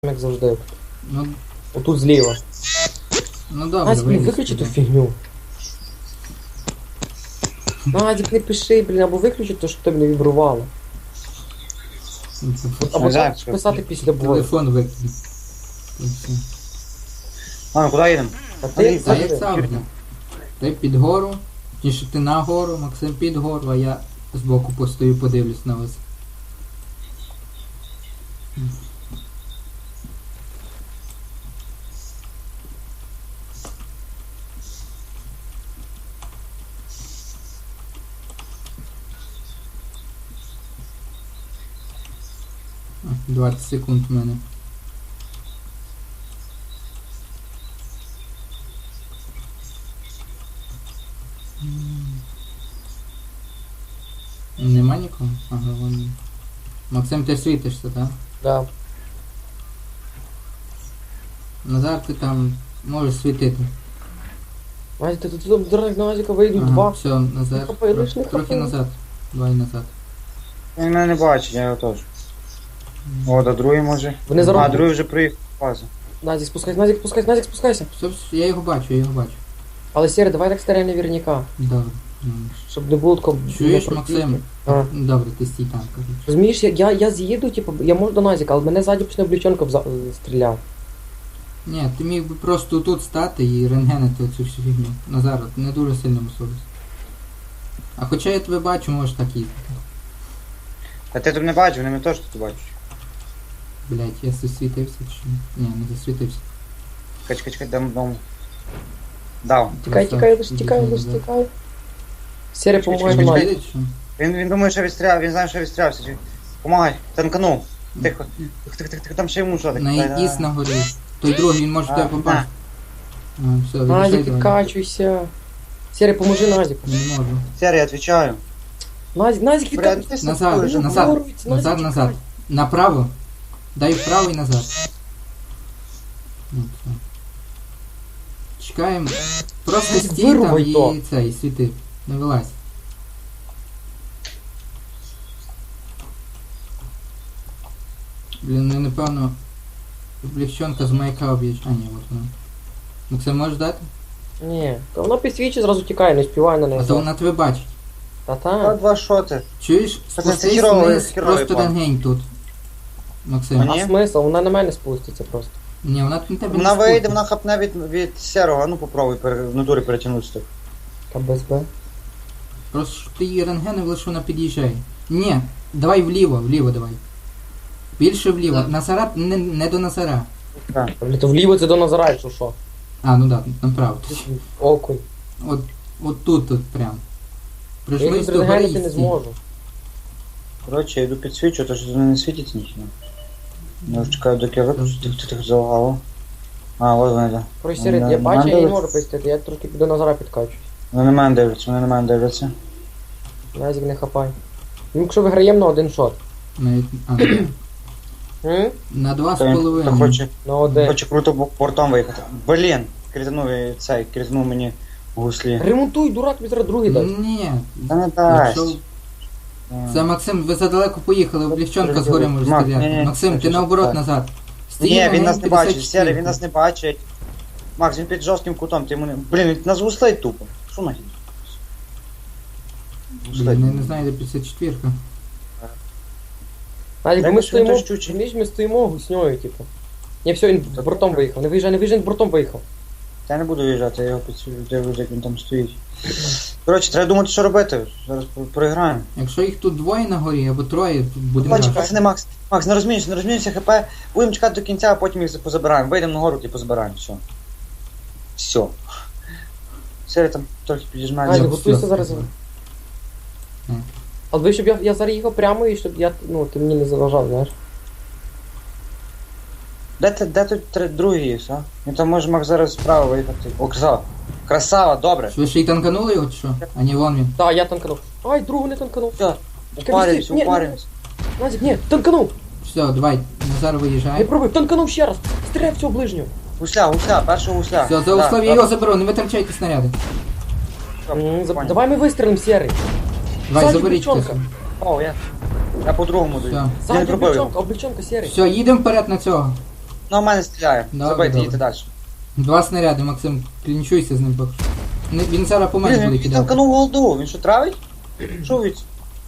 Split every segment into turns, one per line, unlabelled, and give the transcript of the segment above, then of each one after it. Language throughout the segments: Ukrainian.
Як завжди.
Ну,
Отут зліва.
ну добре,
Назік,
вийди
виключи ту
сюди.
фігню. Назік, не пиши, блін, або виключи то, щоб тебе не вібрувало. Або
Назік,
так писати після бою.
Телефон викиди. Та все.
А, ну куди їдемо?
А ти як
Та як
завжди.
завжди. Ти під гору, ніж ти на гору, Максим під гору, а я збоку постою, подивлюсь на вас. А, 20 секунд у мене. Нема нікого? Ага, вон. Він. Максим, ти світишся, так?
Да.
Назар, ти там можеш світити.
Назік, ти тут дурак на Назіка вийдуть
Ага,
два.
все, Назар.
Не хапай, лиш не
Трохи
хапай.
назад. Давай назад.
Він мене не бачить, я його теж. О, до другий може.
Вони зараз-
А, другий вже приїхав в базу.
Назік, спускайся, Назік, спускайся, Назік, спускайся.
Все, я його бачу, я його бачу.
Але Сєре, давай так старе наверняка.
Добре.
Щоб не було такого...
Чуєш,
непротивки.
Максим?
А.
Добре, ти стій там, кажу.
Розумієш, я з'їду, типу, я можу до Назіка, але мене ззаді почне облічонка стріляти.
Ні, ти міг би просто тут стати і рентгенити цю всю фігню. Назар, ти не дуже сильно мусорись. А хоча я тебе бачу, можеш так їздити.
Та ти тут не бачиш, вони мене теж тут бачать.
Блять, я засвітився чи що? Ні, не засвітився.
Чекай, дам дому. Дав.
Тікай, тікай, лиш тікай, лиш тікай. Сєре,
Чекай,
помагай
чекай,
до
чекай.
Назіка.
Їдеш, що?
Він думає, що відстріляв, він знає, що відстрілявся. Помагай, танканув. Тихо. Тихо, там ще йому що таке.
На якісь на горі. Той другий, він може в тебе
А,
попасти. А, все,
Назік,
відійшли, давай.
відкачуйся. Сєре, поможи Назіку.
Не можу.
Сері, я відвічаю.
Назік,
Бля,
відкачуйся.
ти
Назад,
сапуєш,
назад,
Вирується,
назад,
Назік,
назад. Направо. Дай вправо і назад. Ну, все. Чекаємо. Просто
Назік,
стій там
вирубай то.
і цей, світи. Не вилазь. Блін, ну напевно. Облегчонка з маяка об'їжджає. А, ні, от вона. Максим, можеш дати?
Ні, то вона підсвічує, зразу тікає, не співає на неї.
А то вона тебе бачить.
Та-та.
Два шоти.
Чуєш?
Це
Спустись
херовий-
вниз,
херовий
просто
план.
рентгень тут. Максим.
Мені?
А смисл? Вона на мене спуститься просто.
Ні, вона на тебе
Вона
не
вийде,
спустить.
вона хапне від сірого, ну попробуй в натурі перетягнутися так.
Та без Б.
Просто щоб ти її рентгенив, лише вона під'їжджає. Ні, давай вліво давай. Більше вліво. Назара, не до Назара.
Так.
Блін, то вліво це до Назара, якщо що.
А, ну да, направо.
Окунь.
От тут прям.
Я
Прийшли
їх
з того
зрегенити не зможу.
Коротше, я йду підсвічу, то що не світиться нічого. Я вже чекаю, доки я виключу, тихо залагало. А, ось вони, да.
Короче, Сірит, я бачу, я не можу пустити, я трохи до Назара підкачуюсь.
Вони на мене дивляться.
Назік не хапай. Ну, якщо виграємо на один шот.
Навіть,
М?
на два з
Та
половиною.
На один.
хоче круто бортом виїхати. Блін, кританув мені в гуслі.
Ремонтуй, дурак, тобі зараз другий дасть.
Ні.
Та не дасть.
Якщо... Це Максим, ви задалеко поїхали, облегчонка згори може
Мак,
стріляти.
ні-ні,
Максим, ти
так.
наоборот назад.
Ні, він нас не бачить,
54.
Сері, він нас не бачить. Макс, він під жорстким кутом, ти йому не... Блін, він нас гуслить тупо. Що нахід?
Блін, я не знаю, де 54-ка.
Назік, бо ми
Якось він
стоїмо,
теж чуть-чуть.
розумієш, ми стоїмо гусньою, типу. Ні, все, він бортом виїхав. Не виїжджай, він бортом виїхав.
Я не буду виїжджати, я його підсвічу, як він там стоїть. Коротше, треба думати, що робити. Зараз проіграємо.
Якщо їх тут двоє на горі або троє, тут будемо
Бачиш,
грати.
пацани, Макс, не розмінюйся, ХП. Будемо чекати до кінця, а потім їх позабираємо. Вийдемо на гору і позабираємо, все. Все. Сері там трохи підіжмає.
Назік,
все,
готуйся
все.
зараз.
М.
Але ви, щоб я зараз їхав прямо і щоб я, ну, ти мені не заважав, знаєш.
Де тут другий є, а? Він там може Макс зараз справа виїхати. О, красава. Красава, добре.
Що, ви ще й танканули його чи що? А ні, вон він.
Так, я танканув. Ай, другу не танканув.
Все.
Ні, ні.
Упаримось.
Назік, ні, танканув.
Все, давай, Назар
Не
виїжджає.
пробуй, танканув ще раз. Стріляй в цього ближнього.
Гусля, першого гусля.
Все, за услов'я я його заберу, не витрачайте снаряди.
Давай ми вистрілимо, Сєрий.
Давай,
Ззаді
заберіть
облегчонка.
хтось.
О, я по-другому даю.
Все.
Я не
Ззаді
пробив.
облегчонка, Сєрий.
Все, їдемо вперед на цього.
Ну, а в мене стріляє.
Добре,
Забийте,
добре.
їдьте далі.
2 снаряди, Максим, клінчуйся з ним поки що. Він зараз по мене
Блін,
буде
він
кидати.
танканув голду, він що травить? Що від?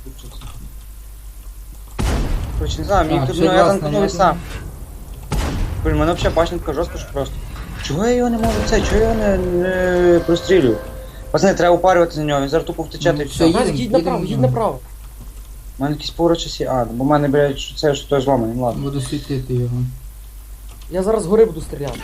Короче, не знаю, мені
Так,
тут,
ще
ну, я
два
танканув і
снаряди.
сам. Блін, мене взагалі башенка жорстко, що просто. Чого я його не можу чого я його не прострілюю? Пацани, треба упарювати за нього, він зараз тупо втече, та й
Ну,
все.
все,
Назік, їдь направо, їдь направо.
У мене якісь поруч часі, бо в мене, блядь, це що той зламаний, ну ладно.
Буду світити його.
Я зараз згори буду стріляти.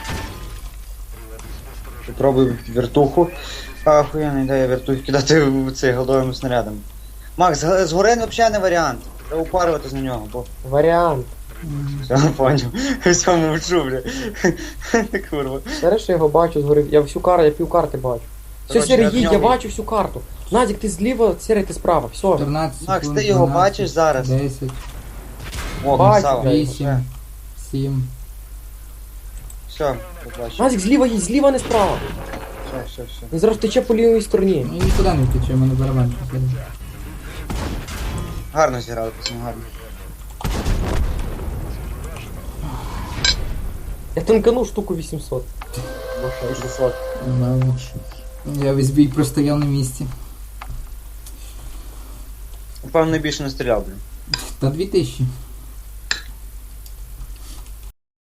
Попробую вертуху. Охуєнна ідея вертухи кидати в цей голдовими снарядами. Макс, згори взагалі не варіант. Треба упарюватись на нього, бо
Варіант.
все, поняв. Все мовчу, бля. Курва.
Зараз я його бачу згори. Я всю карту, я пів карти бачу. Все,
Короче,
Сірий,
я в
їдь, я
ньому-
бачу всю карту. Назік, ти зліва, Сірий, ти справа. Все.
14
Макс,
секунд,
ти його
12,
бачиш зараз?
10,
О,
Бачу,
красава.
блядь.
8, 7.
Все, побачив.
Назік, зліва їдь, зліва, не справа.
Все.
Він зараз тече по лівій стороні.
Ну і нікуди не втече, в мене барабан посередині.
Гарно зіграли, пацани, гарно.
Я танканув штуку 800. 600.
Ладно. Я весь бій простояв на місці.
Певно, більше не стріляв, блін.
Та 2000.